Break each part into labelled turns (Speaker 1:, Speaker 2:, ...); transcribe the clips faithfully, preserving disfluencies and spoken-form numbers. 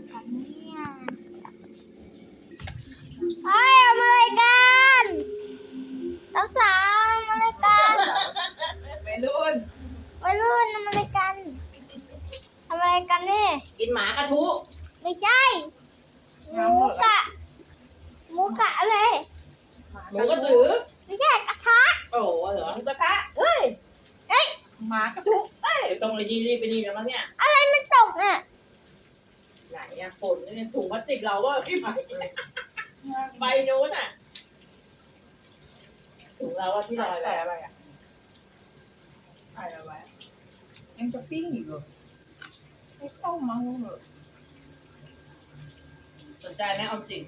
Speaker 1: กันเนี่ยเฮ้ยเอามาเลยกันทั้งสามมาเลยกัน
Speaker 2: ไปรุ่น
Speaker 1: วัยรุ่นทำอะไรกันทำอะไรกันเนี่ย
Speaker 2: กินหมากระทุ
Speaker 1: ไม่ใช่หมูกะหมูกะอะไร
Speaker 2: หมูกระถือ
Speaker 1: ไม่ใช่กระทะ
Speaker 2: โอ้โหเหรอหมูกระทะเฮ้ย
Speaker 1: เอ้ย
Speaker 2: หมากระทุเอ้ยตรงเลยยีรีบไปนี่แล้วมั้งเนี่ย
Speaker 1: อะไรมันตกเนี่ย
Speaker 2: ไหนอะฝนเนี่ยถุงพลาสติกเราว่าพี่ใหม่ใบโน้นอะถุงเราว่าที่ลอยไปอะไรอะ
Speaker 3: ใส่เอาไว้ยังจะปิ้งอีกเหรอไม่ต้องมาเหรอ
Speaker 2: สนใจไหมออมสิน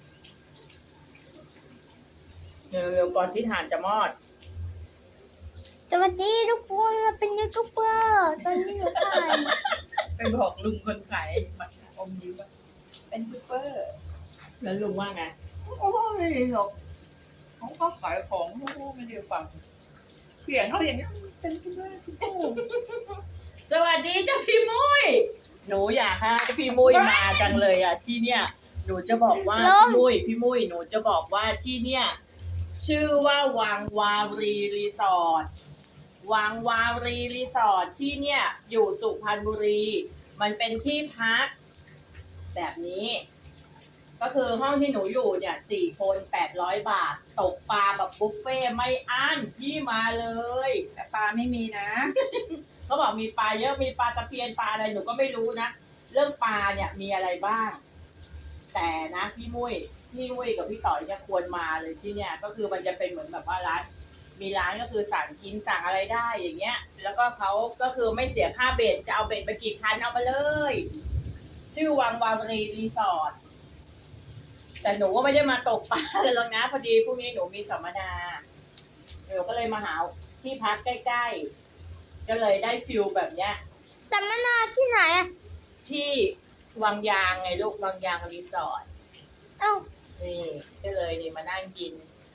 Speaker 2: เร็วๆก่อนที่ถ่านจะมอด
Speaker 1: สวัสดีทุกคนเราเป็นยูทูบเบอร์ตอนนี้หนูถ่าย
Speaker 3: ไปบอกลุงคนขายอมยิ้มว่าเป็นซูเปอร์
Speaker 2: แล้วลุงว่าไง
Speaker 3: โอ้ยหรอกเขาก็ขายของเขาไม่ได้ฟังเสียงเขาอย่างนี้เป็นซูเปอร์ซูเปอร์
Speaker 2: สวัสดีเจ้าพี่มุ้ยหนูอยากให้พี่มุ้ยมาจังเลยอ่ะที่เนี่ยหนูจะบอกว่าพี่มุ้ยพี่มุ้ยหนูจะบอกว่าที่เนี่ยชื่อว่าวังวารีรีสอร์ทวังวารีรีสอร์ทที่เนี่ยอยู่สุพรรณบุรี มันเป็นที่พักแบบนี้ ก็คือห้องที่หนูอยู่เนี่ยสี่คนแปดร้อยบาทตกปลาแบบบุฟเฟ่ต์ไม่อั้นที่มาเลย
Speaker 3: แต่ปลาไม่มีนะ
Speaker 2: เขาบอกมีปลาเยอะมีปลาตะเพียนปลาอะไรหนูก็ไม่รู้นะเรื่องปลาเนี่ยมีอะไรบ้าง แต่นะพี่มุ้ยพี่มุ้ยกับพี่ต่อยเนี่ยควรมาเลยที่เนี่ยก็คือมันจะเป็นเหมือนแบบว่าร้านมีร้านก็คือสั่งกินสั่งอะไรได้อย่างเงี้ย แล้วก็เขาก็คือไม่เสียค่าเบ็ดจะเอาเบ็ดไปกี่คันเอาไปเลย ชื่อวังวารีรีสอร์ทแต่หนูก็ไม่ได้มาตกปลาเลยหรอกนะพอดีพรุ่งนี้หนูมีสัมมนาหนูก็เลยมาหาที่พักใกล้ๆก็เลยได้ฟิลแบบเนี้ย
Speaker 1: สัมมนาที่ไหนอะ
Speaker 2: ที่วังยางไงลูกวังยางรีสอร์ท
Speaker 1: เอ้า
Speaker 2: นี่ก็เลยนี่มานั่งกิน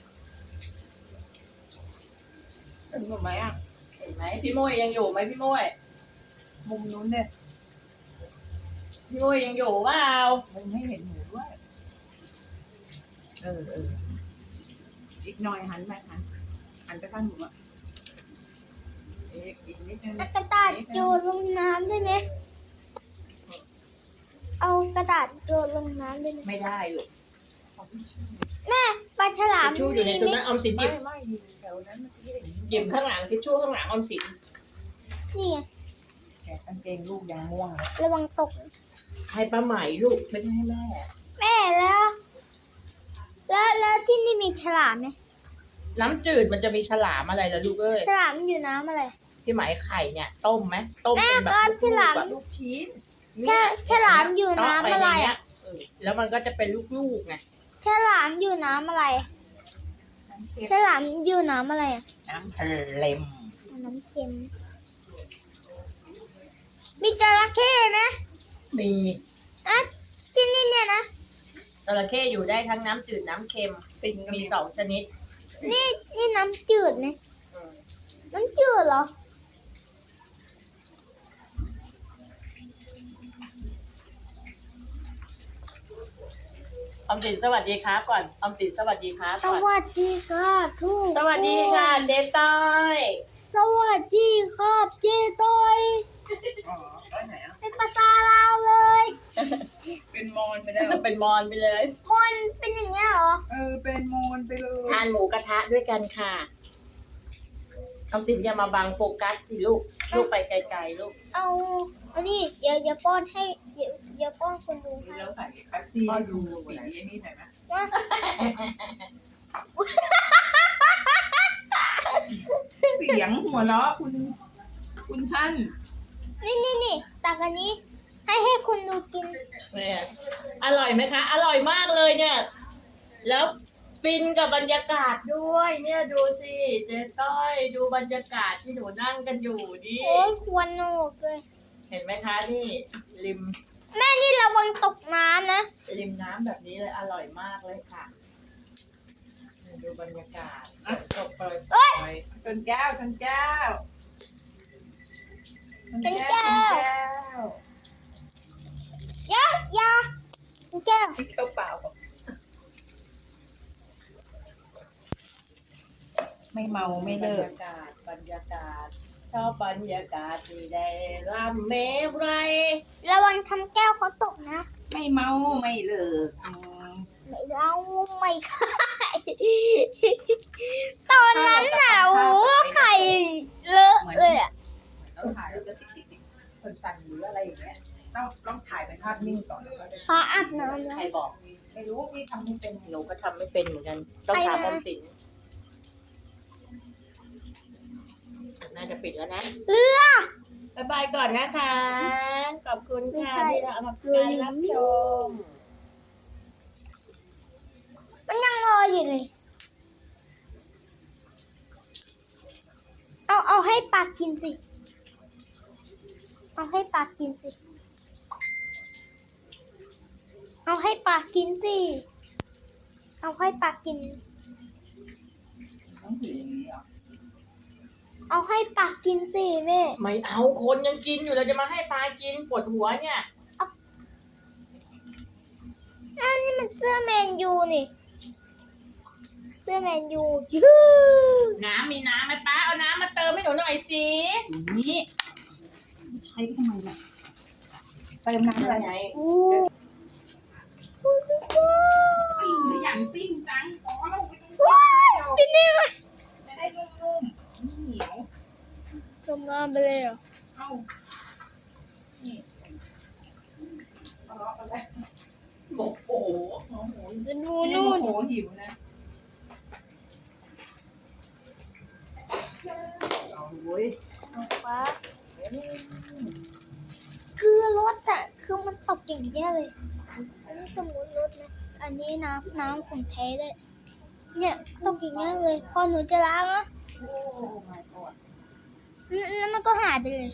Speaker 3: เป็นหมดไหมอ่ะ
Speaker 2: เห็นไหมพี่มุ้ยยังอยู่ไหมพี่มุ้ย
Speaker 3: มุมนู้นเนี่ย
Speaker 2: พี่มุ้ยยังอยู่เปล่า
Speaker 3: มุมให้เห็นหมูด้วยเออเอออีกหน่อยหันไปหันหันไปข้างหนูอ่ะอีกอีกนิดนึง
Speaker 1: เอากระดาษโยนลงน้ำได้ไหมเอากระดาษโยนลงน้ำได้ไหม
Speaker 2: ไม่ได้ลูก
Speaker 1: แม่ปลาฉลาม
Speaker 2: ทิชชู่อยู่ในตัวนั้นออมสินห
Speaker 3: ไม่
Speaker 2: ยิบ
Speaker 3: ไม่อยู่แถวนั้นเมื่อกี้เห็น
Speaker 2: หยิบข้างหลังทิชชู่ข้างหลังออมสิน
Speaker 1: นี่ไง
Speaker 3: แกะกางเกงลูกยังม่วงเลย
Speaker 1: ระวังตก
Speaker 2: ให้ป้าใหม่ลูกไม่ได้ให้แม่
Speaker 1: แม่แล้ว แล้วแล้วที่นี่มีฉลามไหม
Speaker 2: น้ำจืดมันจะมีฉลามอะไรล่ะลูกเอ้ย
Speaker 1: ฉลามอยู่น้ำอะไร
Speaker 2: ที่หมายไข่เนี่ยต้มไหมต้มเป็นแบบ
Speaker 1: แม่ครับฉลาม
Speaker 2: ลูกๆอะ
Speaker 3: ลูกชิ้น
Speaker 1: ฉลฉลามอยู่น้ำอะไร
Speaker 2: เาปในเนี้
Speaker 1: อะ
Speaker 2: ยเออแล้วมันก็จะเป็นลูกๆไง
Speaker 1: ฉลามอยู่น้ำอะไร
Speaker 3: น้ำเค็ม
Speaker 1: ฉลามอยู่น้ำอะไรอะ
Speaker 3: น้ำทะเลม
Speaker 1: น้ำเค็ม มีจระเข้ไหม
Speaker 2: มี
Speaker 1: อ่ะที่นี่เนี่ยนะ
Speaker 2: จระเข้อยู่ได้ทั้งน้ำจืดน้ำเค็ม
Speaker 3: ปิงก็
Speaker 2: มี
Speaker 3: มี
Speaker 2: สองชนิด
Speaker 1: นี่นี่น้ำจืดนะ
Speaker 2: อืม
Speaker 1: น้ำจืดเหรอ
Speaker 2: ออมสินสวัสดีครับก่อนออมสินสวัสดีครับ
Speaker 1: ส
Speaker 2: ก่อน
Speaker 1: วัสดีครับทุก
Speaker 2: สวัสดีค่ะเดต้อย
Speaker 1: สวัสดีครับเจต้อย
Speaker 3: อ๋อไปไหนอ่ะ
Speaker 1: เป็นภาษาลาวเลย
Speaker 3: เป็นมอนไปแล้ว
Speaker 2: เป็นมอนไปเลย
Speaker 1: คนเป็นอย่างเงี้ยเหรอ
Speaker 3: เออเป็นมอนไปเลย
Speaker 2: ทานหมูกระทะด้วยกันค่ะออมสินอย่ามาบังโฟกัสสิลูกลูกไปไกลๆลูก
Speaker 1: เอาเอานี่เดี๋ยวเดี๋ยวป้อนให้เดี๋ยวเดี๋ยวป้อนคนดูให้
Speaker 3: แล้วใส่แป๊บซี่ให้ดูสีไอ้นี่หน่อยไหม
Speaker 1: ว่า
Speaker 3: เสียงหัวเราะคุณ คุณท่าน
Speaker 1: นี่นี่นี่ตักอันนี้ ให้ให้คุณดูกิน
Speaker 2: เนี่ยอร่อยไหมคะ อร่อยมากเลยเนี่ย แล้วฟินกับบรรยากาศด้วย เนี่ยดูสิเจ๊ต้อยดูบรรยากาศที่หนูนั่งกันอยู่นี่
Speaker 1: โอ้ยควรโหนกเลย
Speaker 2: เห็นไหมคะนี่ริม
Speaker 1: แม่นี่ระวังตกน้ำนะ
Speaker 2: ริมน้ำแบบนี้เลยอร่อยมากเลยค่ะดูบรรยากาศตกปล่อย
Speaker 1: เอ้ย
Speaker 2: ปล่อย
Speaker 3: ชนแก้วชนแก้ว
Speaker 1: ชนแก้ว
Speaker 3: ชนแก้ว
Speaker 1: เดี๋ยวอย่าแก้ว
Speaker 3: แก้วเปล่าไม่เมาไม่เลิก
Speaker 2: บรรยากาศบรรยากาศชอบบรรยากาศที่ได้รำเมไร
Speaker 1: ระวังทำแก้วเขาตกนะ
Speaker 3: ไม่เมาไม่เลิกอืม
Speaker 1: ไม่เล่าไม่ขายตอนนั้นน่ะโอ้ไข่เลอะเลยอ่ะ
Speaker 3: ต้องถ่ายแล้วจะติดติดติดคนสั่นหรืออะไรอย่างเงี้ยต้องต้องถ่ายเป็นภาพนิ่งก่อนแล้วก็จะ
Speaker 1: พออาบน้ำแล้
Speaker 2: ใคร
Speaker 1: ว
Speaker 2: บอก
Speaker 3: ไม่รู้พี่ทำไม่เป็น
Speaker 2: หนูก็ทำไม่เป็นเหมือนกัน ต้องถามออมสินน่าจะปิดแล้วนะ
Speaker 1: เรือ
Speaker 2: บ๊ายบายก่อนนะคะ ขอบคุณค่ะ
Speaker 1: ไม่ใช่
Speaker 2: ที่เรามาการรับชม
Speaker 1: มันยังรออยู่เลย เอาเอาให้ปลากินสิ เอาให้ปลากินสิ เอาให้ปลากินสิ เอาให้ปลากิน
Speaker 3: ต้องถืออย่างนี้เหรอ
Speaker 1: เอาให้ปลากินสิแม่
Speaker 2: ไม่เอาคนยังกินอยู่เราจะมาให้ปลากินปวดหัวเนี่ย
Speaker 1: อันนี้มันเสื้อแมนยูนี่ เสื้อแมนยูยู
Speaker 2: น้ำมีน้ำไหมป้าเอาน้ำมาเติมให้หนูหน่อยสิ
Speaker 3: อย่างนี้ใช้ไปทำไมล่ะเติมน้ำอะไร
Speaker 2: ไง
Speaker 1: อู้
Speaker 3: ปิ้งหรืออย่างปิ้งจังอ๋อเราไปตรง
Speaker 1: ว้ายพี่นี่มา
Speaker 3: จะได้นุ่มๆไม่เหนียว
Speaker 1: จมน้ำไปเลยเหรอ
Speaker 3: เอ้านี่ทะเลาะกันแล้ว
Speaker 2: บอกโอ้โห
Speaker 3: โอ้โห
Speaker 1: จะดู
Speaker 3: ไม่ได้
Speaker 1: นู่
Speaker 3: โม
Speaker 1: น
Speaker 3: โหหิวนะเอาเว้ย
Speaker 1: ฟ้าคือรถอ่ะ คือมันตกอย่างเงี้ยเลย อันนี้สมมติรถนะ อันนี้น้ำน้ำของแท้เลยเนี่ยตกอย่างเงี้ยเลย พอหนูจะล้างนะ
Speaker 3: โอ้ my god
Speaker 1: แล้วมันก็หายไปเลย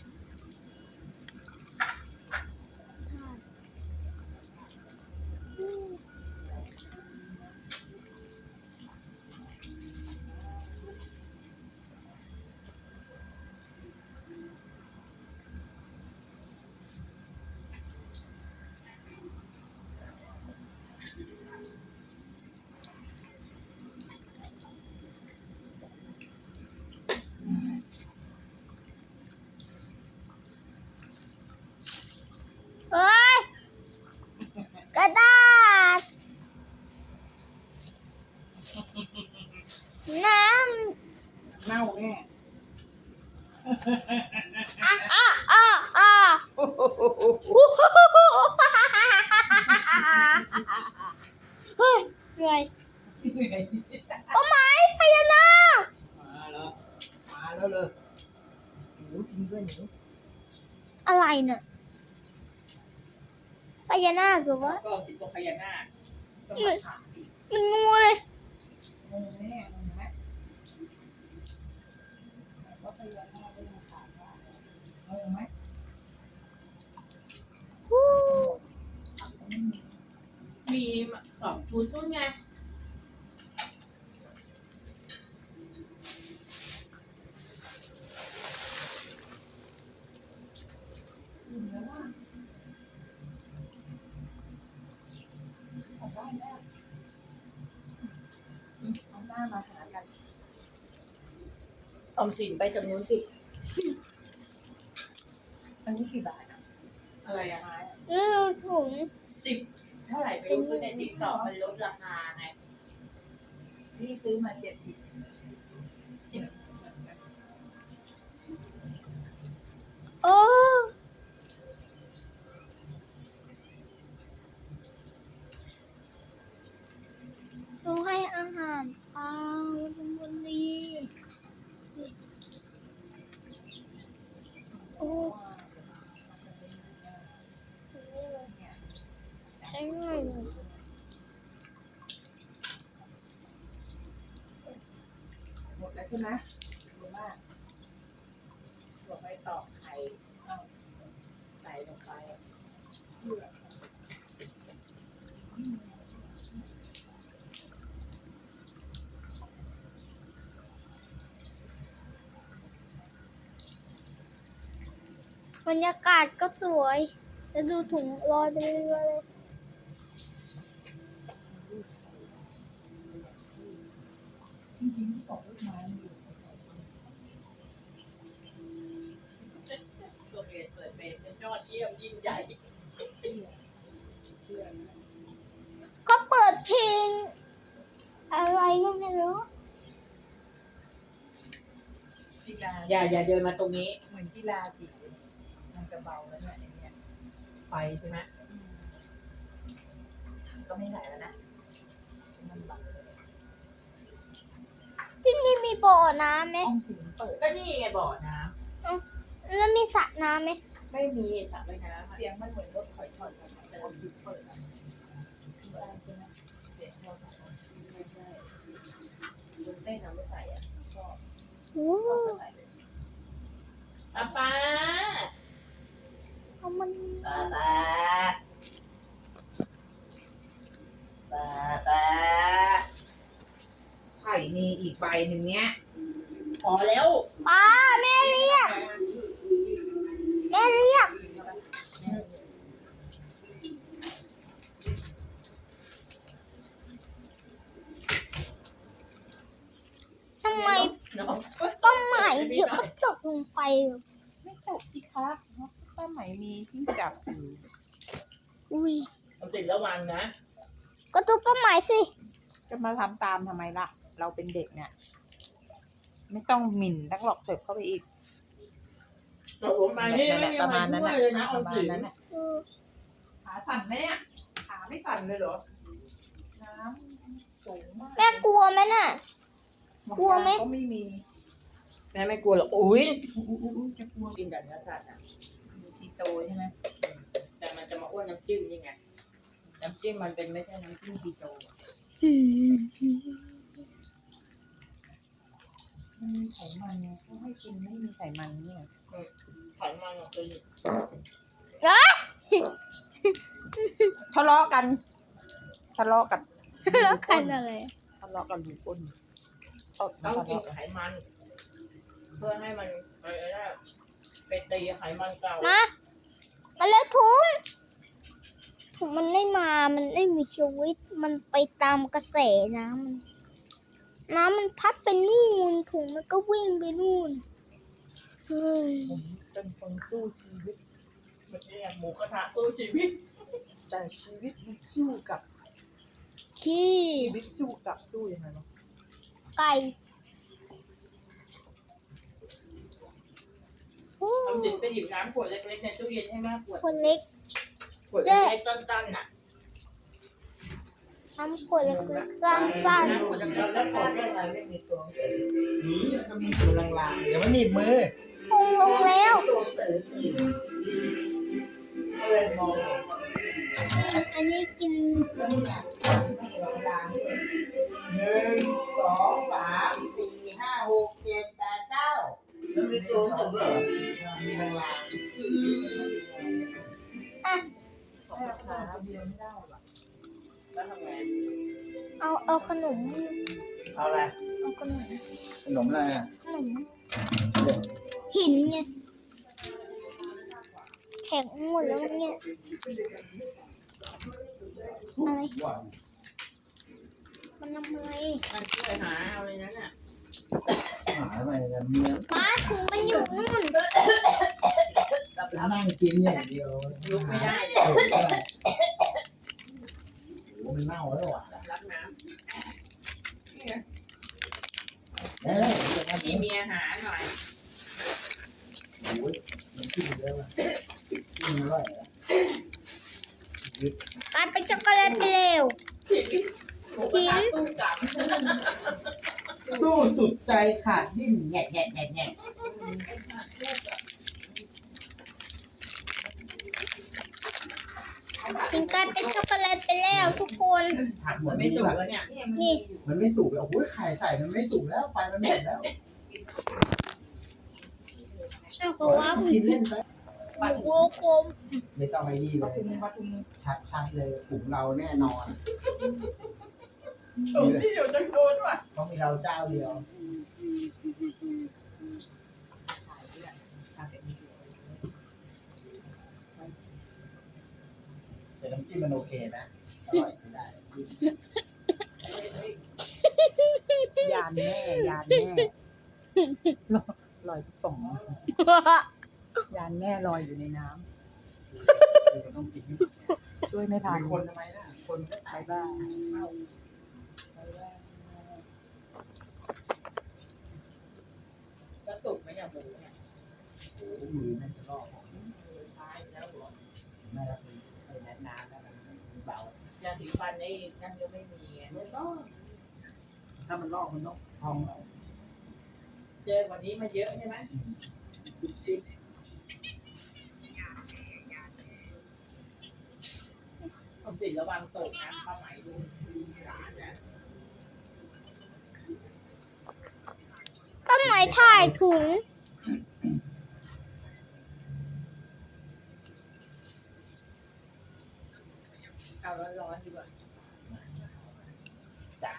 Speaker 1: เอ้ย กระดาษ น้
Speaker 3: เน่าแน่
Speaker 1: ำอ่ะอ่ะอ่ะอ่ะเฮ้ยเหนื่อยโอ้ไม้พญานาค
Speaker 3: มาแล้วมาแล้วเลยหนูจริงด้วยหนู
Speaker 1: อะไรเนี่ยพญานาคหรือว่า
Speaker 3: ก็สิตัวพญานาคต้องมาถามอีก
Speaker 1: มันงูเลย
Speaker 3: งงแน่งงไหมว่าพญานาคไม่มาถามว่างงไหม
Speaker 1: ฮู้
Speaker 2: มีสองชุดนู่นไง
Speaker 3: อืมแล้วว่าเอาได้แน่อืมเอาหน้ามาหากัน
Speaker 2: ออมสินไปจากนู้นสิ
Speaker 3: อันนี้กี่บาทอ่ะ
Speaker 2: อะไรอะ
Speaker 3: ไม้อะ
Speaker 1: นี่ดูถุง
Speaker 2: สิบเท่าไหร่ไปรู้ซื้อในติ๊กต็อกมันลดราคาไง
Speaker 3: นี่ซื้อมาเจ็ดสิบ
Speaker 2: สิบ
Speaker 1: โอ้ต้องให้อาหารปลาวันนี้โอ้ใช่ไหม
Speaker 3: หมดแล้วใช่ไหมหรือว่าตัวไปตอกไข่เอาใส่ลงไปเพื่อ
Speaker 1: บรรยากาศก็สวย แล้วดูถุงลอยไปเรื่อยๆเลย
Speaker 3: ทิ้งของลูกไม้อยู่
Speaker 2: ตัวเรียนเปิดเป็นยอดเยี่ยมยิ่งใหญ่
Speaker 3: เชื่อเชื่อ
Speaker 1: ก็เปิดเพลงอะไรก็ไม่รู้
Speaker 3: กีฬา
Speaker 2: อย่าอย่าเดินมาตรงนี้
Speaker 3: เหมือนกีฬาสิมันจะเบาแล้วเนี่ยไอ้เนี่ย
Speaker 2: ไฟใช่ไหม
Speaker 3: ก็ไม่ไหลแล้วนะมันเบาเลย
Speaker 1: ที่นี่มีบ่อน้ำไหม
Speaker 3: ห้องสีมันเปิด
Speaker 2: ก็นี่ไงบ่อน้
Speaker 1: แล้วมีสระน้ำไหม
Speaker 2: ำไม่มีสระว่ายน้ำอะ
Speaker 3: เสียงมันเหมือนรถถอยถอยถอยแต่ห้องสีเปิดอ่ะใช่ใช่ไหมเสียงเรา
Speaker 2: ไม่ใช่ลุงเต้นเอาไม่ใส่อ่ะก็
Speaker 1: โอ้
Speaker 2: ก็ใส่เลยป้าป้า
Speaker 1: เอามัน
Speaker 2: ป้าป้าป้าป้า
Speaker 3: ไข่นี่อีกใบหนึ่งเนี้ย
Speaker 2: พอแล้ว
Speaker 1: ป้าแม่เรียกแม่เรียกทำไม
Speaker 2: น้อง
Speaker 1: ต้นไม้เดี๋ยวก็ตกลงไป
Speaker 3: ไม่ตกสิคะป้าไหมมีที่จับอยู่
Speaker 1: อุ้ย
Speaker 2: เอาติดระวังนะ
Speaker 1: ก็ทุบต้นไม้สิ
Speaker 3: จะมาทำตามทำไมล่ะ เราเป็นเด็กเนี่ย ไม่ต้องหมิ่นนักหลอกเสิร์ฟเข้าไปอีก
Speaker 2: ตกลงไปนี่
Speaker 3: นั่นแห
Speaker 2: ไม่
Speaker 3: ละ
Speaker 2: มี
Speaker 3: ประ
Speaker 2: อะไร
Speaker 3: มาณนั้น
Speaker 2: ช่วย
Speaker 3: น่ะ
Speaker 2: เลยนะ
Speaker 3: ป
Speaker 2: เอา
Speaker 3: ระมาณ
Speaker 2: ถึง
Speaker 3: นั้นน่ะ
Speaker 1: เออ
Speaker 3: ขาสั่นไหมเนี่ยขาไม่สั่นเลยเหรอ น้ำสูงมาก
Speaker 1: แม่กลัวไหมน่ะ กลัวไหม
Speaker 3: ก็ไม่มี
Speaker 2: แม่ไม่กลัวหรอกอุ้ย
Speaker 3: อุ๊ยอุ๊ยอุ๊ยจะกลัว
Speaker 2: กินแต่เนื้อสัตว์อ่ะ
Speaker 3: มีทีโตใช่ไหม
Speaker 2: แต่มันจะมาอ้วนน้ำจิ้มนี่ไงน้ำจิ้มมันเป็นไม่ใช่น้ำจิ้มดีโต
Speaker 3: มันมีไขมันไงเขาให้กินไม่มีไขมันเนี่ย
Speaker 2: ไขมันของตัวนี้
Speaker 3: ทะเลาะกันทะเลาะกัน
Speaker 1: แล้วกันอะไร
Speaker 3: ทะเลาะกันดูก้นตด
Speaker 2: ต้อง
Speaker 3: ทะ
Speaker 2: กิน
Speaker 3: เลาะกัน
Speaker 2: ไขมัน เพื่อให้มันอะไรนะไปตีไขมันเก่า
Speaker 1: มา มาแล้วถุงถุงมันไม่มา มันไม่มีชีวิต มันไปตามกระแสน้ำมัน น้ำมันพัดไปนู่น ถุงมันก็วิ่งไปนู่น เฮ้ย
Speaker 3: ผมเป็นคนสู้ชีวิต
Speaker 2: เมื่อกี้อะหมูกระทะสู้ชีวิต
Speaker 3: แต่ชีวิตมันสู้กับ
Speaker 1: ขี้
Speaker 3: ชีวิตสู้กับสู้ยังไงเนาะ
Speaker 1: ไก่โอ้
Speaker 2: ทำจิตไปหยิบน้ำขวดเล็กๆในตู้เย็นให้มากขวด
Speaker 1: คนเล็ก
Speaker 2: ขวดเล็กๆตั้นๆน่ะ
Speaker 1: น้ำขวดเล็กๆสั้น
Speaker 2: น้ำขวดเล็กๆตั้น
Speaker 3: ไม่มีตัว
Speaker 4: นี่ก็มีตัวลางๆเดี๋ยวมันหนีบมือ
Speaker 1: ๆพุงลงแล้ว
Speaker 3: ตัวสื่อเพื่อนมอง
Speaker 1: อันนี้กิน
Speaker 3: แล้วเนี่ยไม่เห็นเวลาเนี่ย
Speaker 4: หนึ่งสองสามสี่ห้าหกเจ็ดแปดเก้า
Speaker 3: มันมีตัวสื่อเหรอ
Speaker 4: มีลาง
Speaker 1: อ่ะ
Speaker 3: สองขาเดียวไม่ได้หรอ
Speaker 2: ๆแล้วทำไง
Speaker 1: เอาเอาขนม
Speaker 4: ๆเอาอะไร
Speaker 1: เอาขนม
Speaker 4: ขนมอะไรอ่ะ
Speaker 1: ขนมหินไงแข็งหมดแล้วเนี่ยอะไร
Speaker 4: หวาน
Speaker 1: มันทำอะไร
Speaker 2: มันช่วยหาเอาเลยนั้นน่ะ
Speaker 4: หายไปแล้วเมีย
Speaker 1: ป้าถุงมันอยู่นู่น
Speaker 4: นั่งกินอย่างเดียว
Speaker 2: ลุกไม่ได้
Speaker 4: โอ้โหมันเน่าแล้วอ่ะ
Speaker 2: รับน้
Speaker 4: เอ้ยเดี๋ยวนะ
Speaker 2: ำมีเมียหาหน่อย
Speaker 4: โอ้ยมันกินเยอะว่ะกินอร่อยอ่ะ
Speaker 1: กลายเป็นช็อกโกแลตไปเร็ว
Speaker 2: หมูกระทะสู้กลับ
Speaker 4: สู้สุดใจขาดดิ้นแงะแงะแงะแงะ
Speaker 1: ถึงกลายเป็นช็อกโกแลตไปแล้วทุกคน
Speaker 4: ผัดหม
Speaker 2: มั
Speaker 4: ด
Speaker 2: น
Speaker 4: ไม่
Speaker 2: ไม่
Speaker 4: สุ
Speaker 2: สุ
Speaker 4: ก
Speaker 2: กแล้วเนี่ย
Speaker 1: นี่
Speaker 4: มันไม่สุกแล้วโอ้ยไข่ใส่มันไม่สุกแล้วไฟมันหมดแล้ว
Speaker 1: เอาก็ว่าหมู
Speaker 4: กินเล่นไป
Speaker 1: โลกลม
Speaker 4: ไม่ต้องไปนี่เล
Speaker 3: ป
Speaker 4: ย
Speaker 3: ทุมปทุม
Speaker 4: ชัดๆเลยถุงเราแน่นอน
Speaker 2: ถุงที่อยู่ตะโกนว่ะ
Speaker 4: เพราะมีเราเจ้าเดียว แต่น้ำจิ้มมันโอเคนะ อร่อยใช้ได้
Speaker 3: ยานแม่ยานแม่ลอยลอยทุกป่องยานแม่ลอยอยู่ในน้ำ
Speaker 4: เราต้องกิน
Speaker 3: ช่วยไม่ทัน
Speaker 4: มีคนทำไมนะคนก็
Speaker 3: บายบายบายบาย
Speaker 2: จะสุกไหมเนี่ยหมูเนี่ย
Speaker 4: โอ้โหมือแม่งจะลอกของ
Speaker 2: ใช่แล้วเหรอ
Speaker 4: แม่รับไอ้แน่นานแล้วมันเบาย
Speaker 2: าสีฟันไอ้นั่นก็ไม่มีไง
Speaker 4: ไม่ต้องถ้ามันลอกมันต้องพองเอา
Speaker 2: เจอวันนี้มาเยอะใช่ไหม
Speaker 4: จิ๊บ
Speaker 2: ผมสิระวังตกนะผ้าไหมดูร้านเนี่ย
Speaker 1: ต้นไม้ถ่ายถุง
Speaker 2: เอาร้อนๆดีกว่า
Speaker 4: จ้า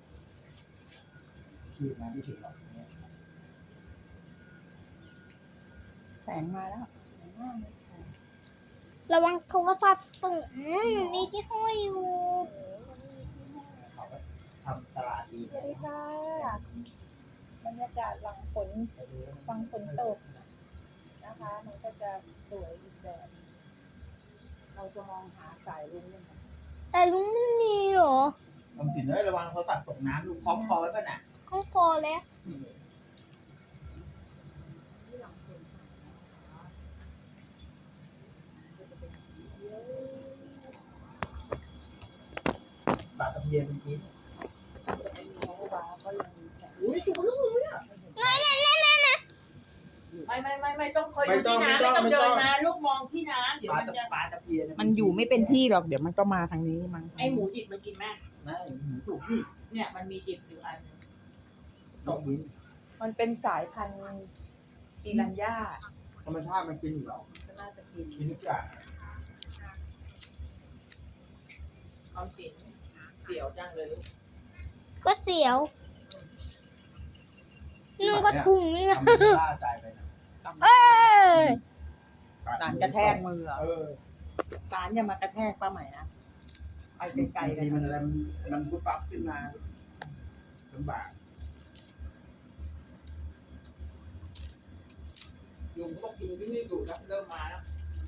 Speaker 4: ขีดมาไม่ถึงหรอกเนี่ย
Speaker 3: แสงมาแล้วแสงมากเลยค่ะ
Speaker 1: ระวังโทรศัพท์ตกอืมมีที่ห้อยอยู่
Speaker 4: เขาก็ทำตลาดดี
Speaker 3: สวัสดีค่ะบรรยากาศหลังฝนฟังฝนตกนะคะ มันก็จะสวยอีกแบบ เราจะมองหาสายรุ้งยังไง
Speaker 1: แต่ลุงไม่มีเหรอ
Speaker 4: ทำสินเลยระวังโทรศัพท์ตกน้ำดูคล้องคอไว้ป่ะน่ะ
Speaker 1: ก็พอแล้ว
Speaker 3: ที่หลังฝน
Speaker 4: บาตะเพียนเมื่อกี้
Speaker 3: เขาว้าก็ยังมีแสง
Speaker 2: อุ้ยถูกลูกเลยอ่ะ
Speaker 1: นั่นนั่นนั่นนั่นนะ
Speaker 2: ไม่ไม่ไม่ไม่ต้องคอยดูที่น้ำไม่ต้องเดินมาลูกมองที่น้ำเดี๋ยว
Speaker 4: ปลา
Speaker 2: มัน
Speaker 4: ตะ
Speaker 2: จะ
Speaker 4: ปลาตะเพียน
Speaker 3: มันอยู่ไม่เป็นที่หรอก เดี๋ยวมันก็มาทางนี้มั้ง
Speaker 2: ไอหมูดิบมันกินไหม
Speaker 4: ไม่หมูสุกนี่
Speaker 2: เนี่ยมันมีดิบอยู่อัน
Speaker 4: ตกดิน
Speaker 3: มันเป็นสายพันธุ์ปีรัญญา
Speaker 4: ธรรมชาติมันกินอยู่แล้ว
Speaker 3: ก็น่าจะกิน
Speaker 4: กินทุกอย่าง
Speaker 2: ออมสินเสียวจังเลยลูก
Speaker 1: ก็เสียวนึ่งก็ถุงนี่นะ
Speaker 4: ทำให้ล่าใจไปนะ
Speaker 1: เอ้ย
Speaker 3: การกระแทกมืออะ
Speaker 4: เออ
Speaker 3: การอย่ามากระแทกป้าใหม่นะไปไกลๆ
Speaker 4: บาง
Speaker 3: กั
Speaker 4: ที
Speaker 3: น
Speaker 4: มันอะไรมันมันปุ๊บปั๊บขึ้นมาลำบาก
Speaker 2: ยุงก็บอกยุงที่นี่ดุแล้วเริ่มมาแล้ว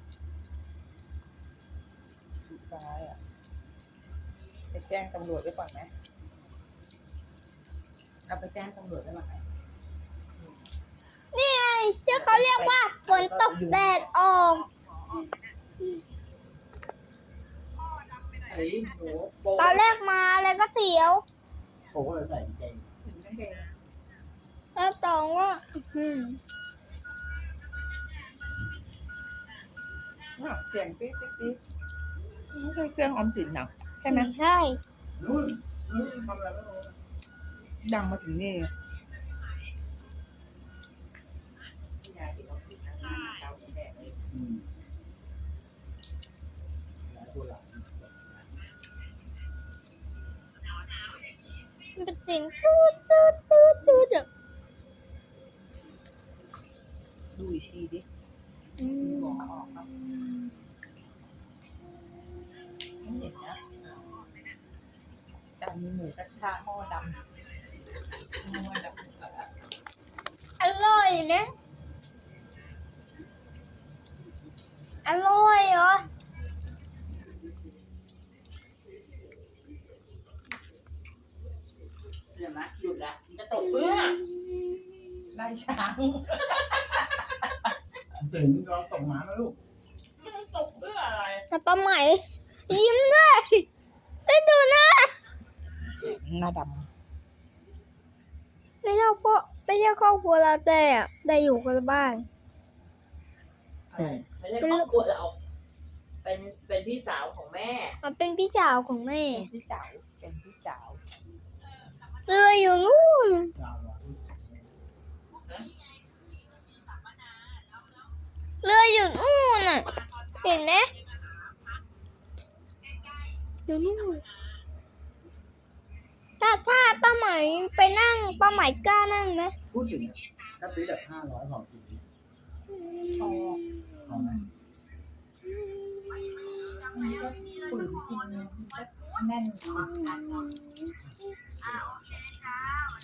Speaker 3: สุดท้ายอ่ะไปแจ้งตำรวจไว้ก่อนไหมเอาไปแจ้งตำรวจไว้ก่อนไหม
Speaker 1: นี่ไงที่เขาเรียกว่าฝนตกแดดออก
Speaker 2: ไอ้หนูโบ
Speaker 1: ตอนแรกมาแล้วก็เสียว
Speaker 4: โอ้โหใส่ใจ
Speaker 3: ถึงไม่เป็น
Speaker 1: แล้วสองก็อืม
Speaker 3: เสียงปิ๊ดปิ๊ดปิ๊ดไม่ใช่เครื่องออมสินนะใช่ไหม
Speaker 1: ใช่
Speaker 4: นู่นนู่นทำอะไรไม่รู้
Speaker 3: ดังมาถึงนี่
Speaker 2: ยายที่เขาคิดนะเจ้าแดงเลย
Speaker 4: อืมหลายตัวหลัง
Speaker 1: มันเป็นเสียงตูดตูดตูดตูดอะ
Speaker 3: ดูอีกทีดิ
Speaker 1: อืม
Speaker 3: บอกออกครับไม่เห็นนะแต่มีหมูกระทะหม้อดำหม้อดำ
Speaker 1: อร่อยนะ อร่อยเหรอ
Speaker 2: เห็นไหมหยุดละมันจะตกเพื่อ
Speaker 3: ไล่ช้าง
Speaker 4: ถึงลองตกน้ำนะลูก
Speaker 2: มันตกเพื่ออะไร
Speaker 1: แต่ปลาไหมยิ้มด้วยได้ดูหน้า
Speaker 3: หน้าด
Speaker 1: ไม่เท่าพ่อไม่ใช่ครอบครัวเราแต่อะได้อยู่กันบ้าน
Speaker 2: อะไรไม่ใช่ครอบครัวเราเป็นเป็นพี่สาวของแม่
Speaker 1: มันเป็นพี่สาวของแม่
Speaker 3: ำเป็นพี่จ๋าเป็นพี่จ๋า
Speaker 1: เรืออยู่นู่น
Speaker 4: จาวะ
Speaker 1: เรืออยู่นู่นน่ะ เห็นไหมอยู่นู่นถ้าถ้าป้าไหมไปนั่งป้าไหมกล้านั่งไหม
Speaker 4: พูดถึงถ้าซื้อแบบห้าร้อยห่อกิน
Speaker 3: พอ
Speaker 4: พอไหม
Speaker 3: มันก็ฝืนกินมันก็แน่น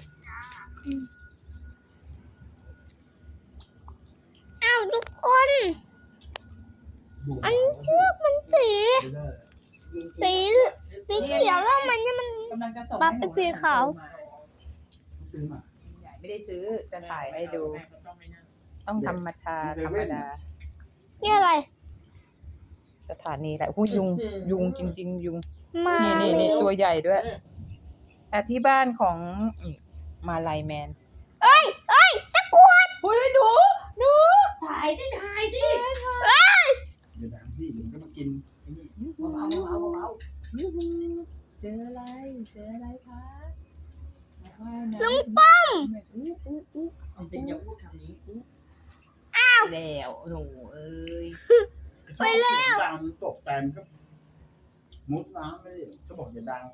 Speaker 4: ดู
Speaker 1: อันเชือกมันสี
Speaker 4: ไม่ได้
Speaker 1: สีสีเขียวแล้วมันเนี่ยมัน
Speaker 3: กำลังจะส่ง
Speaker 1: ปั๊บ
Speaker 3: ให้หนู
Speaker 1: เป็นสีขาว
Speaker 4: ซื้อมา
Speaker 3: ใหญ่ไม่ได้ซื้อจะถ่ายให้ดู
Speaker 2: แม่ก็ต้องไม่นั่ง
Speaker 3: ต้องธรรมชาติธรรมดา
Speaker 1: นี่อะไร
Speaker 3: สถานีแหละหูยุงยุงจริง ๆ ยุง
Speaker 1: มา
Speaker 3: นี่นี่นี่ตัวใหญ่ด้วยแต่ที่บ้านของนี่มาลายแมน
Speaker 1: เอ้ยเอ้ยตะกรวด
Speaker 3: เฮ้ยหนูหนู
Speaker 2: ถ่ายดิถ่ายดิ
Speaker 4: เดี๋ยวนะพี่เดี๋ยวมันก็มากินไอ้นี่
Speaker 2: เอาเอาเอาเอา
Speaker 3: ยูหูเจออะไรเจออะไรคะว่ายน้ำ
Speaker 1: ลุงป้อม
Speaker 3: อู้อู้อู้
Speaker 2: เอาจริงอย่าพูดคำนี้
Speaker 3: แล้วหนูเอ้ย
Speaker 1: ไปแล้ว
Speaker 4: เสียงดังตกแต่มันก็มุดน้ำไปเลยก็บอกอย่าดังไป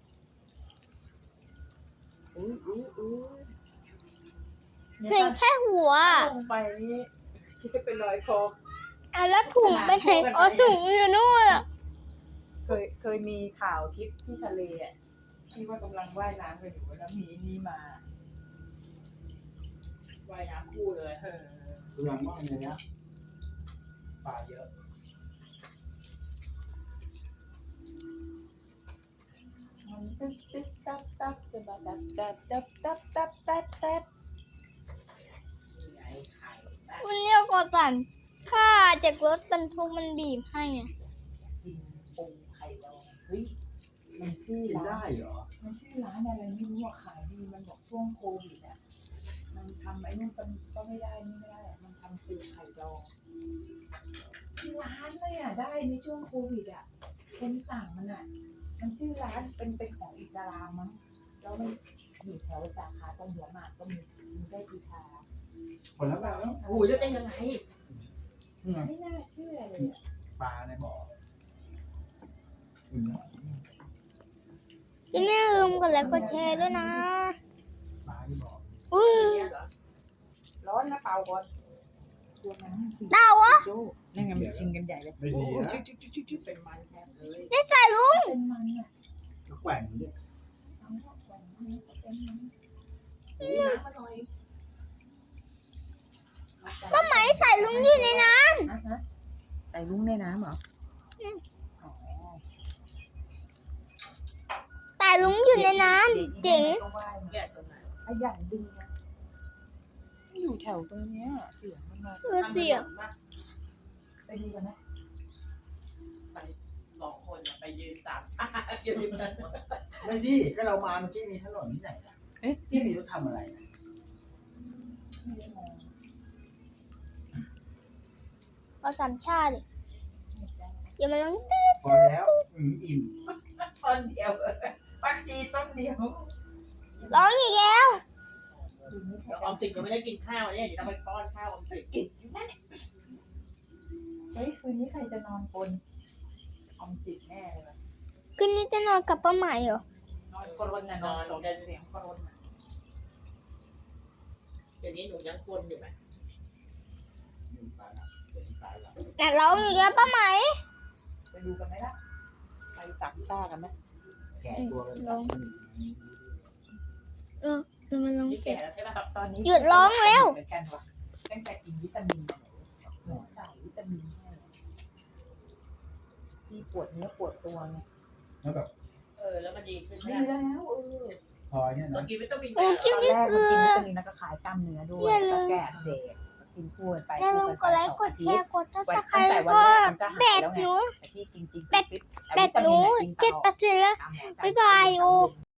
Speaker 3: อู้อู้อู้
Speaker 1: เห็นแค่หัว
Speaker 3: ลงไปนี่คิดเป็นรอยคอ
Speaker 1: เอาแล้วถุงไปไหนอ๋อถุงอยู่นู่นอะ
Speaker 3: เคยเคยมีข่าวคลิปที่ทะเลอ่ะที่ว่ากำลังว่ายน้ำกันอยู่แล้วมีนี่มา
Speaker 2: ว่ายน้ำคู่เลย
Speaker 3: เออ
Speaker 4: กำลังว่าในเนี้ยปลาเยอะ
Speaker 3: มันตึ๊บตึ๊บตับตับจะมาตับตับตับตับตับตับตับ
Speaker 2: นี่ไงไข่
Speaker 1: วันนี้กอสันค่าจากรถบรรทุกมันบีบให้อะ
Speaker 3: กินปูไข่ดองเฮ้ยมันชื่อ
Speaker 4: กิน
Speaker 3: ร้า
Speaker 4: ได้
Speaker 3: น
Speaker 4: เหรอ
Speaker 3: มันชื่อร้านอะไรไม่รู้อ่ะขายดีมันบอกช่วงโควิดอ่ะมันทำไอ้นู่นก็ไม่ได้นี่ไม่ได้อะมันทำปูไข่ดองที่ร้านเลยอ่ะได้ในช่วงโควิดอ่ะคนสั่งมันอ่ะ มันชื่อร้านเป็นเป็นของอิสลามมั้งแล้วมันอยู่แถวสาขาตรงหัวหมากก็มีมีได้กีทา
Speaker 4: คนละแบบแล้ว
Speaker 2: โอ้ยจะเป็นยังไง
Speaker 4: นี่ไง
Speaker 3: ไม่น่าเชื่อเลยอะ
Speaker 4: ปลาในบ่ออืม
Speaker 1: อย่าลืมกดไลค์กดแชร์ด้วยนะ
Speaker 4: ปลาที่บ่อ
Speaker 1: อุ้ย
Speaker 2: เนี่ยเหรอ
Speaker 3: ร้อนนะเปล่าก่อนตัวนั้นสิ
Speaker 1: ดาวะ
Speaker 3: โจ้นั่นไงมันชิงกันใหญ่เลย
Speaker 4: ไม่
Speaker 3: โอ้
Speaker 4: ดี
Speaker 3: โห
Speaker 4: นะ
Speaker 3: จุ๊จุ๊จุ๊จุ๊จุ๊เป็นมันแทบเลย
Speaker 1: นี่ใส่ลุง
Speaker 3: เป็นมันอ่ะ
Speaker 4: ก็แกว่งเนี่ย
Speaker 3: เอาเข้าไปมันก็เป็นมัน
Speaker 2: โอ้ยน้ำมาหน่อย
Speaker 1: ป้าไหมใส่ลุงอยู่ในน้
Speaker 3: อ่ะฮะใส่ลุงในน้ำเหรออ๋อ
Speaker 1: ำแต่ลุงอยู่ในน้ำเจ๋ง
Speaker 3: ก็ว่ายมา
Speaker 2: แกะตรงไหน
Speaker 3: ขยันดึงนะอยู่แถวตรงเนี้ยเสียงมันมา
Speaker 1: เออเสียง
Speaker 2: ทำขนมมา
Speaker 3: ไปดูกันนะ
Speaker 2: ไปสองคนน่ะไปยืนสามชายืนอยู่นั้น
Speaker 4: ไม่ดีก็เรามาเมื่อกี้มีถนนที่ไหนล่ะ
Speaker 3: เอ๊ะ
Speaker 4: ที่นี่เขาทำอะไรนะ
Speaker 3: ไม่ได้มอง
Speaker 1: ก็สามชาติดิ
Speaker 3: ไม่ได้
Speaker 1: อย่ามาลัง
Speaker 4: พอแล้วอืมอิ่ม
Speaker 2: ตอนเดียวปักจีต้นเดียว
Speaker 1: ร้องอีกแล้ว
Speaker 3: ดูนี่ใคร
Speaker 2: เดี๋ยวอ
Speaker 3: จะ
Speaker 2: อมสินก็ไม่ได้กินข้าวเนี่ยเดี๋ยวต้องไปป้อนข้าวออมสิน
Speaker 3: กินอยู่นั่นเนี่ยเฮ้ยคืนนี้ใครจะนอนบนออมสินแน่เลยว่ะ
Speaker 1: คืนนี้จะนอนกับป้าไหมเหรอ
Speaker 3: นอนกรนน่ะนอนสนเสียงกรนน่ะ
Speaker 2: เดี๋ยวนี้หนูยังคนอยู่ไหม
Speaker 4: อิ่มตายละเดี๋ยวตายละ
Speaker 1: แต่ร้องอีกแล้วป้าไหม
Speaker 3: ไปดูกันไหมล่ะไปสามชากันไหม
Speaker 4: แก่ตัวเลย
Speaker 1: ลง เออเดี๋ยวมาลอง
Speaker 2: นี่
Speaker 1: เก็
Speaker 2: แก่
Speaker 1: บ
Speaker 2: แล้วใช่ปะ
Speaker 3: ตอนนี้
Speaker 1: หยุดร้องแล้ว
Speaker 3: เหมือนกันว่ะตั้งแต่กินวิตามินเนี่ยหมอจ่ายวิตามินให้ที่ปวดเนื้อปวดตัวไง
Speaker 4: แล้วแบบ
Speaker 2: เออแล้วมันดีขึ้นไหม
Speaker 3: ดีแล้วเออ
Speaker 4: พอเนี่ย
Speaker 2: เมื่อ
Speaker 4: นะ
Speaker 2: กี้วิตามิน
Speaker 1: เออ
Speaker 2: แก่
Speaker 1: คลิป
Speaker 3: ตอน
Speaker 1: นี้
Speaker 3: แรก
Speaker 1: คือ
Speaker 3: มันกินวิตามินแล้วก็ขายกล้ามเนื้อด้วย
Speaker 1: อย่าลื
Speaker 3: แล้ว
Speaker 1: ม
Speaker 3: ก็แก้อักเสบกินพูดไป
Speaker 1: อย่าลื
Speaker 3: พู
Speaker 1: ม
Speaker 3: ด
Speaker 1: ก
Speaker 3: ไป
Speaker 1: ดไล
Speaker 3: ส
Speaker 1: ค์
Speaker 3: อง
Speaker 1: ก
Speaker 3: อา
Speaker 1: ด
Speaker 3: ทิ
Speaker 1: แช
Speaker 3: ต
Speaker 1: ร์
Speaker 3: ย์
Speaker 1: กดซับสไคร
Speaker 3: ตั้ง
Speaker 1: ต์
Speaker 3: แต่
Speaker 1: แล้ว
Speaker 3: วัน
Speaker 1: ก็
Speaker 3: แรกมันก็หายแล้วไงแต่ที่กินจริง
Speaker 1: แบต
Speaker 3: ๆ
Speaker 1: หนู
Speaker 3: วิตามินอะกินตลอด
Speaker 1: เจ็ดเปอร์เซ็นต์แล้ว
Speaker 3: ตามหมอสั่ง
Speaker 1: บ๊ายบายโอ